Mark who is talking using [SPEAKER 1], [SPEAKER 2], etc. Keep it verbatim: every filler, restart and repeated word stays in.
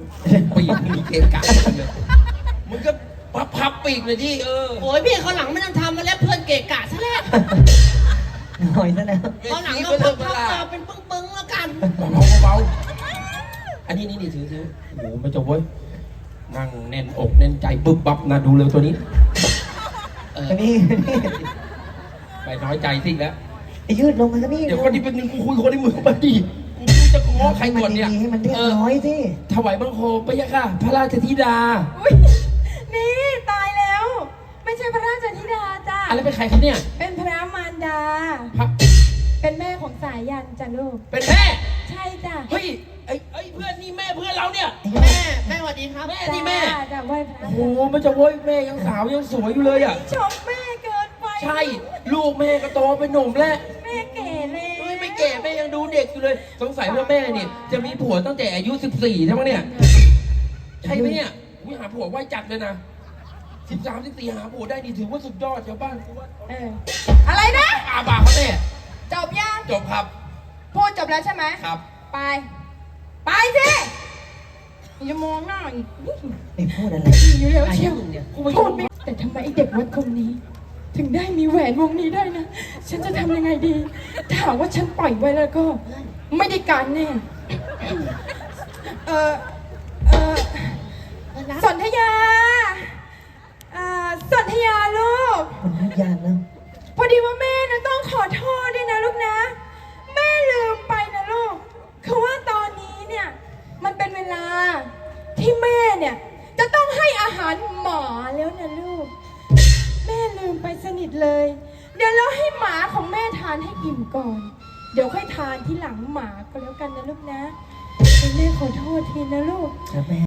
[SPEAKER 1] ปีกมีเกกะเลยมึงก็พับพับปีกเลยที่เออ
[SPEAKER 2] โอ้ยพี่เขาหลังไม่ต้องทำมาแล้วเพื่อนเกะกะซะแล้ว
[SPEAKER 3] หน่อยซะแล้ว
[SPEAKER 2] เขาหลังก็พับพับมาเป็นปึ้งๆแล้วกัน
[SPEAKER 1] เบาเบาอันนี้นี่นี่ถือถือโอ้โหไม่จบเว้ยนั่งแน่นอกแน่นใจบึบบับนะดูเลยตัวนี้
[SPEAKER 3] เออนี่
[SPEAKER 1] ไปน้อยใจสิแล้ว
[SPEAKER 3] ไอ้ยืดลงมาก็นี่
[SPEAKER 1] เดี๋ยวคนที่เป็นหนึ่งกูคุยคนที่มือมาดีกูไม่รู้จะง้อใครก่อนเนี่ย
[SPEAKER 3] ให้มันเรียบร้อยสิ
[SPEAKER 1] ถวายบังคมพระยะค่ะพระราชธิดา
[SPEAKER 4] นี่ตายแล้วไม่ใช่พระราชธิดาจ้า
[SPEAKER 1] อะไรเป็นใครครับเนี่ย
[SPEAKER 4] เป็นพระมารดาเป็นแม่ของสายยันจ้ะลูก
[SPEAKER 1] เป็นแม่
[SPEAKER 4] ใช่จ้ะ
[SPEAKER 1] เฮ้ยไอ้ไอ้เพื่อนนี่แม่เพื่อนเราเนี่ย
[SPEAKER 2] แม่แม่สวัสดีครับ
[SPEAKER 1] แม่นี่แม่
[SPEAKER 4] จ้ะไหว้พระ
[SPEAKER 1] โอ้โหมันจะโว้ยแม่ยังสาวยังสวยอยู่เลยอ่ะ
[SPEAKER 4] ชมแม่เกินไป
[SPEAKER 1] ใช่ลูกแม่ก็โตเป็นหนุ่มแล้ว
[SPEAKER 4] แม่แก่เลย
[SPEAKER 1] เฮ้ยไม่แก่แม่ยังดูเด็กอยู่เลยสงสัยว่าแม่เนี่ยจะมีผัวตั้งแต่อายุสิบสี่ใช่ไหมเนี่ยใช่ไหมเนี่ยวิหาผัวไว้จัดเลยนะสิบสามสิบสี่หาผัวได้นี่ถือว่าสุดยอดชาวบ้านกูว่า
[SPEAKER 4] เอออะไรนะ
[SPEAKER 1] อาบาเขาแม่
[SPEAKER 4] จบยัง
[SPEAKER 1] จบครับ
[SPEAKER 4] พูดจบแล้วใช่ไหม
[SPEAKER 1] ครับ
[SPEAKER 4] ไปไปสิอย่ามองหน้าอีก
[SPEAKER 3] ไอ้พูดอะไร
[SPEAKER 4] อยู่แล้วเชียวพูดไม่แต่ทำไมไอ้เด็กวัดคนนี้ถึงได้มีแหวนวงนี้ได้นะฉันจะทำยังไงดีถ้าหากว่าฉันปล่อยไว้แล้วก็ไม่ได้การแน่เออเออสนธยาอ่าสนธยาลูก
[SPEAKER 3] คนทุกอย่างแล้ว
[SPEAKER 4] พอดีว่าแม่นะต้องขอโทษด้วยนะลูกนะแม่ลืมไปนะลูกคือว่าตอนนี้เนี่ยมันเป็นเวลาที่แม่เนี่ยจะต้องให้อาหารหมาแล้วนะลูกแม่ลืมไปสนิทเลยเดี๋ยวเราให้หมาของแม่ทานให้อิ่มก่อนเดี๋ยวค่อยทานที่หลังหมาก็แล้วกันนะลูกนะแม่ขอโทษทีนะลูก